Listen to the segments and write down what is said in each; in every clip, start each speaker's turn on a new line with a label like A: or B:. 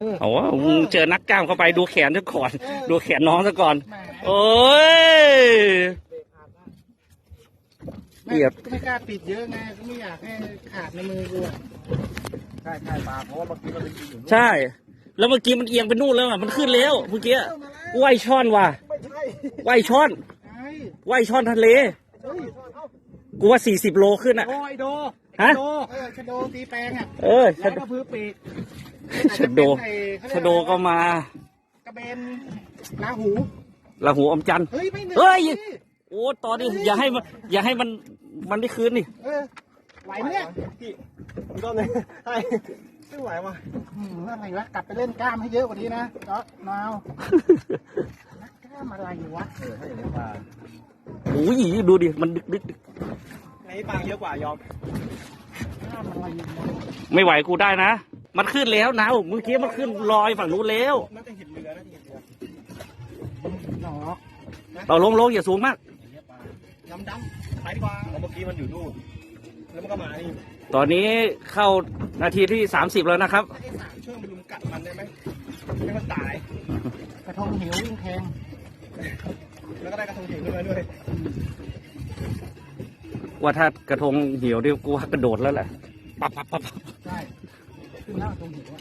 A: โอ้โหเจอนักกล้ามเข้าไปดูแขนซะก่อนดูแขนน้องซะก่อนโอ้ยเปียบ
B: ไม่กล้าปิดเยอะไงก็ไม่อยากให้ขาดในมือกูใช่ปลาเพราะว่าเมื่อกี้มันเป็นอยู่
A: ใช่แล้วเมื่อกี้มันเอียงไปนู่นแล้วอ่ะมันขึ้นแล้วเมื่อกี้ว่ายช่อนว่ะว่ายช่อนว่ายช่อนทะเลกูว่า40 โลขึ้นอ่ะ
B: ไอโด
A: ฮะ
B: ชะโดตีแปลงอ่ะ
A: ชะโดพื้นปีกชะโดก็มาก
B: ระเบนลาหู
A: อมจัน
B: เฮ้ยไม่
A: เฮ้ยโอ้ตอนนี้อย่าให้มันได้คืนนี่
B: ไหวไหมเนี่ยพี่ก็เลยไม่ไหวว่ะอะไรวะกลับไปเล่นกล้ามให้เยอะกว่านี้นะก็นาวกล้ามอะไรวะถ้าอย่างนี้ปลา
A: โอ้ยดูดิมันดึก
B: ไอ้ปลาเยอะกว่ายอมกล้ามอะไร
A: ไม่ไหวกูได้นะมันขึ้นแล้วนะเมื่อกี้มันขึ้นลอยฝั่งนู้นแล้ว
B: น่าจะเห็นเรือหนอ
A: เราลงอย่าสูงมาก
B: ดำไปดีกว่าเมื่อกี้มันอยู่นู่นแล้วมันก็มานี่
A: ตอนนี้เข้านาทีที่30แล้วนะครับ
B: ช่วยมันลุมกัดมันได้ไหมให้มันตายกระทงเหววิ่งแทงแล้วก็ได้กระทงเหวขึ้นมาด้วย
A: ว่าถ้ากระทงเหี่ยวเดี๋ยวกูกระโดดแล้วแหละปั๊บ
B: ใช่ขึ้นแล้วกระทงเหว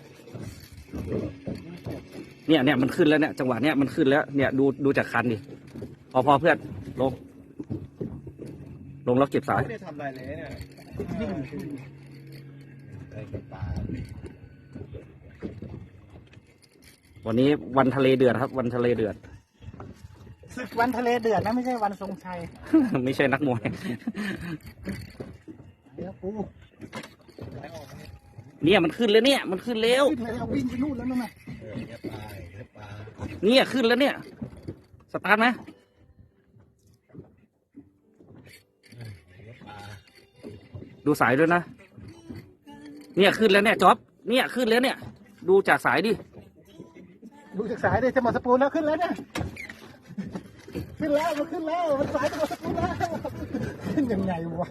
A: เนี่ยมันขึ้นแล้วเนี่ยจังหวะเนี้ยมันขึ้นแล้วเนี่ยดูจากคันดิพอเพื่อนลงแล้วเก็บสาย
B: ไม่ได้ทำอะไรเลยเนี่ย
A: วันนี้วันทะเลเดือดครับวันทะเลเดือด
B: วันทะเลเดือดนะไม่ใช่วันทรงชัย
A: ไม่ใช่นักมวยเนี่ยมันขึ้นแล้วเนี่ยมันขึ้นแล้ว
B: วิ่งไปนู่นแล้วนั่นน่ะ
A: เนี่ยขึ้นแล้วเนี่ยสตาร์ทไหมดูสายด้วยนะเนี่ยขึ้นแล้วเนี่ยจ๊อบเนี่ยขึ้นแล้วเนี่ยดูจากสายดิ
B: ดูจากสายดิจะหมดสปูนแล้วขึ้นแล้วเนี่ยขึ้นแล้วมันสายจะหมดสปูนแล้วขึ้นยังไงวะ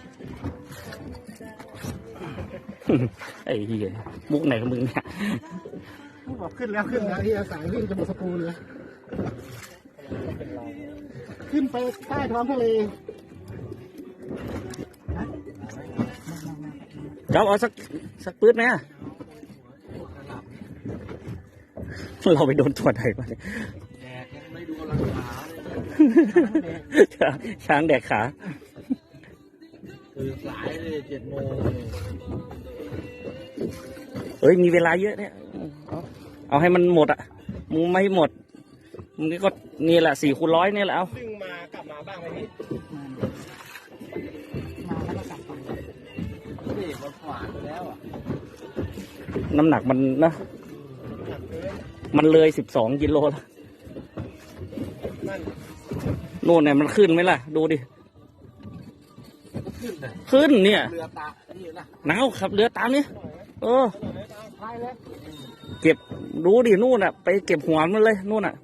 A: ไอ้เหี้ยมุกไหนของมึงเนี่ย
B: บอกขึ้นแล้วที่สายวิ่งจะหมดสปูนเลยขึ้นไปใต้ท้องทะเล
A: จ๊อบเอาสักปื๊ดไหมเราไปโดนตัวไหนมาเนี่ย
B: แดกยังไม่ดูราคา
A: เลยช้างแดกขา
B: คือสายเลย7 โมง
A: เฮ้ยมีเวลาเยอะเนี่ยเอาให้มันหมดอ่ะมึงไม่หมดมึงก็นี่แหละ4x100นี่แหละเอา
B: ซึ่งมากลับมาบ้างไหมพี่มาแล้วก็กลับไปเด็กมันขวานไปแล้วอ่ะ
A: น้ำหนักมันนะมันเลย12 กิโลแล้วนู่นเนี่ยมันขึ้นไหมล่ะดูดิขึ้นเนี่ย
B: เรือตา
A: หนาวขับเรือตามนี่เก็บรู้ดินู่นอ่ะไปเก็บหัวมันเลยนู่นอ่ะ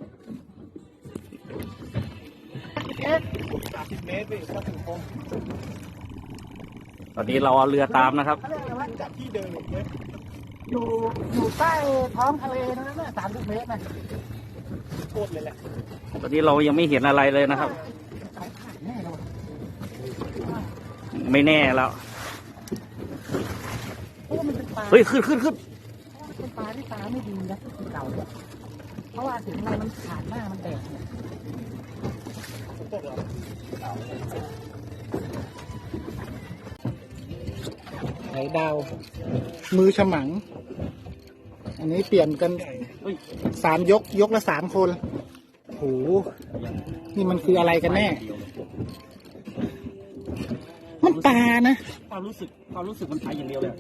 B: 30 เมตรไปก็ถึงคง
A: ตอนนี้เราเอาเรือตามนะครับ
B: จากที่เดิมอยู่ใต้ท้องทะเลนั่นน่ะ30 เมตรนะโคตรเลยแหละ
A: ตอนนี้เรายังไม่เห็นอะไรเลยนะครับไม่แน่แล้วเฮ้ยขึ้น
B: เป็นปลาที่ตาไม่ดีนะเก่าเพราะว่าถึงอะไรมันขาดหน้ามันแตกไหลดาวมือฉมังอันนี้เปลี่ยนกัน3 ยกละ3 คนโหนี่มันคืออะไรกันแน่มันปลานะ
A: ความรู้สึกมันไปอย่างเดียวเลย